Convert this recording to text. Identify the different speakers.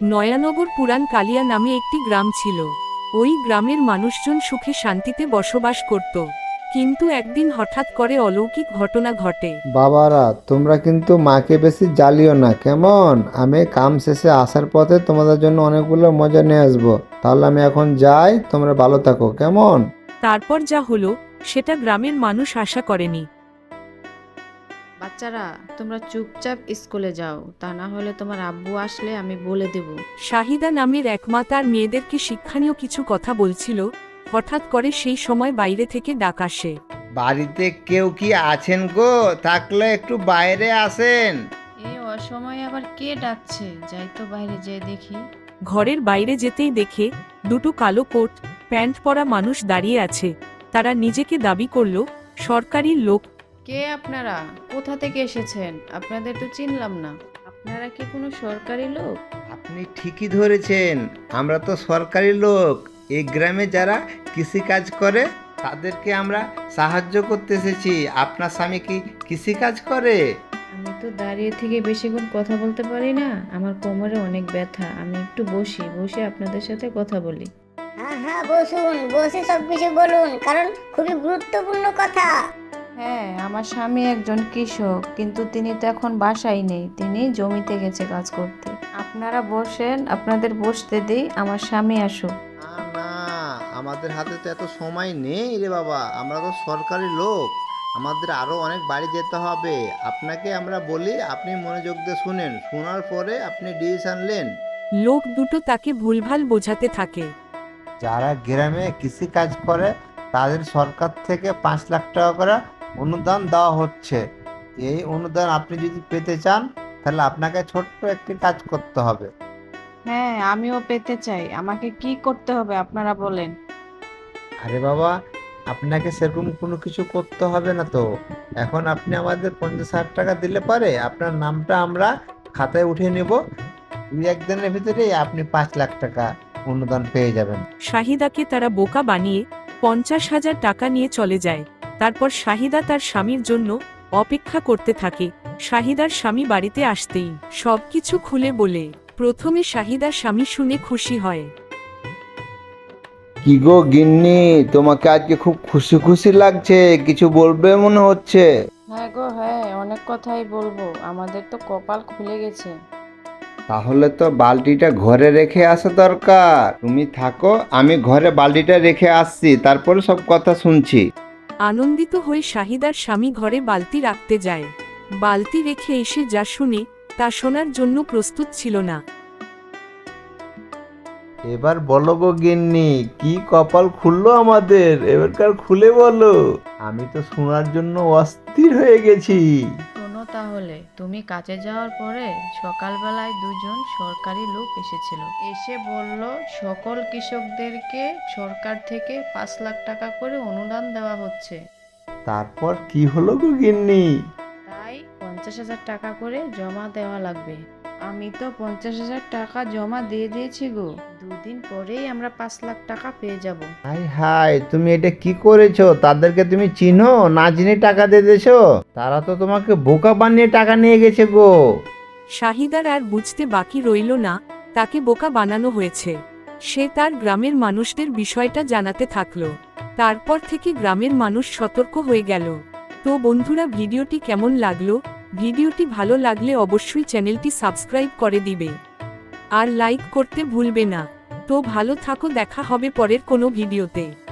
Speaker 1: নয়ানগর পুরান কালিয়া নামে একটি গ্রাম ছিল। ওই গ্রামের মানুষজন সুখে শান্তিতে বসবাস করত। কিন্তু একদিন হঠাৎ করে অলৌকিক ঘটনা ঘটে।
Speaker 2: বাবারা, তোমরা কিন্তু মাকে বেশি জ্বালিও না, কেমন? আমি কাম শেষে আসার পথে তোমাদের জন্য অনেকগুলো মজা নিয়ে আসবো। তাহলে আমি এখন যাই, তোমরা ভালো থাকো, কেমন?
Speaker 1: তারপর যা হলো সেটা গ্রামের মানুষ আশা করেনি।
Speaker 3: বাচ্চারা, তোমরা চুপচাপ স্কুলে যাও, তা না হলে তোমার আব্বু আসলে আমি বলে দেব।
Speaker 1: শাহিদা নামের এক মা তার মেয়েদেরকে শিক্ষণীয় কিছু কথা বলছিল। হঠাৎ করে সেই সময় বাইরে থেকে ডাক আসে।
Speaker 4: বাড়িতে কেউ কি আছেন গো? থাকলে একটু বাইরে আসেন।
Speaker 3: এই অসময়ে আবার কে ডাকছে? যাই তো বাইরে যেয়ে দেখি।
Speaker 1: ঘরের বাইরে যেতেই দেখে দুটো কালো কোট প্যান্ট পরা মানুষ দাঁড়িয়ে আছে। তারা নিজেকে দাবি করল সরকারি লোক।
Speaker 3: কে আপনারা? কোথা থেকে এসেছেন? আপনাদের তো চিনলাম না। আপনারা কি কোনো সরকারি লোক?
Speaker 4: আপনি ঠিকই ধরেছেন, আমরা তো সরকারি লোক। এই গ্রামে যারা কৃষিকাজ করে তাদেরকে আমরা সাহায্য করতে এসেছি। আপনার স্বামী কি কৃষিকাজ করে?
Speaker 3: আমি তো দাঁড়িয়ে থেকে বেশিক্ষণ কথা বলতে পারি না, আমার কোমরে অনেক ব্যথা। আমি একটু বসে আপনাদের সাথে কথা বলি।
Speaker 5: হ্যাঁ হ্যাঁ, বসুন, বসে সব কিছু বলুন, কারণ খুবই গুরুত্বপূর্ণ কথা।
Speaker 3: হ্যাঁ, আমার স্বামী একজন কৃষক, কিন্তু তিনি তো এখন বাসায় নেই, তিনি জমিতে গেছে কাজ করতে। আপনারা বসেন, আপনাদের বসতে দিই, আমার স্বামী আসুক।
Speaker 4: না না, আমাদের হাতে তো এত সময় নেই রে বাবা, আমরা তো সরকারি লোক, আমাদের আরও অনেক বাড়ি যেতে হবে। আপনাকে আমরা বলি, আপনি মনোযোগ দিয়ে শুনেন, শোনার পরে আপনি ডিসিশন নেন।
Speaker 1: লোক দুটো তাকে ভুলভাল বোঝাতে থাকে।
Speaker 4: যারা গ্রামে কৃষি কাজ করে তাদের সরকার থেকে 5 লাখ টাকা করে অনুদান দেওয়া হচ্ছে। এই অনুদান আপনি যদি পেতে চান তাহলে আপনাকে ছোট্ট একটি কাজ করতে হবে।
Speaker 3: হ্যাঁ, আমিও পেতে চাই। আমাকে কি করতে হবে আপনারা বলেন।
Speaker 4: আরে বাবা, আপনাকে সেরকম কোনো কিছু করতে হবে না তো। এখন আপনি আমাদের 50,000 টাকা দিলে পারে আপনার নামটা আমরা খাতায় উঠিয়ে নেব। 2-1 দিনের ভিতরেই আপনি 5 লাখ টাকা অনুদান পেয়ে যাবেন।
Speaker 1: শাহিদাকে তারা বোকা বানিয়ে 50,000 টাকা নিয়ে চলে যায়। তারপর শাহিদা তার স্বামীর জন্য অপেক্ষা করতে থাকে। শাহিদার স্বামী বাড়িতে আসতেই সবকিছু খুলে বলে। প্রথমে শাহিদার স্বামী শুনে খুশি হয়।
Speaker 2: কি গো গিন্নি, তোমাকে আজকে খুব খুশি খুশি লাগছে, কিছু বলবে মনে হচ্ছে।
Speaker 3: হ্যাঁ গো, হ্যাঁ, অনেক কথাই বলবো। আমাদের তো কপাল খুলে গেছে।
Speaker 2: তাহলে তো বালতিটা ঘরে রেখে আসা দরকার। তুমি থাকো, আমি ঘরে বালতিটা রেখে আসছি, তারপরে সব কথা শুনছি।
Speaker 1: আনন্দিত হয়ে শাহিদার স্বামী ঘরে বালতি রাখতে যায়। বালতি রেখে এসে যা শুনে তা শোনার জন্য প্রস্তুত ছিল না।
Speaker 2: এবার বলো গো গিন্নি, কি কপাল খুললো আমাদের, এবারকার খুলে বলো। আমি তো শোনার জন্য অস্থির হয়ে গেছি।
Speaker 3: শোনো তাহলে, তুমি কাজে যাওয়ার পরে সকালবেলায় দুজন সরকারি লোক এসেছিল। এসে বলল সকল কৃষকদেরকে সরকার থেকে 5 লাখ টাকা করে অনুদান দেওয়া হচ্ছে।
Speaker 2: তারপর কি হলো গো গিন্নি?
Speaker 3: তাই 50,000 টাকা করে জমা দেওয়া লাগবে। আমি তো 50,000 টাকা জমা দিয়ে দিয়েছি গো। 2 দিন পরেই আমরা 5 লাখ টাকা পেয়ে যাব।
Speaker 2: হাই হাই, তুমি এটা কি করেছো? তাদেরকে তুমি চিনো না, চিনে টাকা দিয়ে দিয়েছো? তারা তো তোমাকে বোকা বানিয়ে টাকা নিয়ে গেছে গো।
Speaker 1: শাহিদার আর বুঝতে বাকি রইল না তাকে বোকা বানানো হয়েছে। সে তার গ্রামের মানুষদের বিষয়টা জানাতে থাকলো। তারপর থেকে গ্রামের মানুষ সতর্ক হয়ে গেল। তো বন্ধুরা, ভিডিওটি কেমন লাগলো? ভিডিওটি ভালো লাগলে অবশ্যই চ্যানেলটি সাবস্ক্রাইব করে দিবে আর লাইক করতে ভুলবে না। তো ভালো থাকো, দেখা হবে পরের কোনো ভিডিওতে।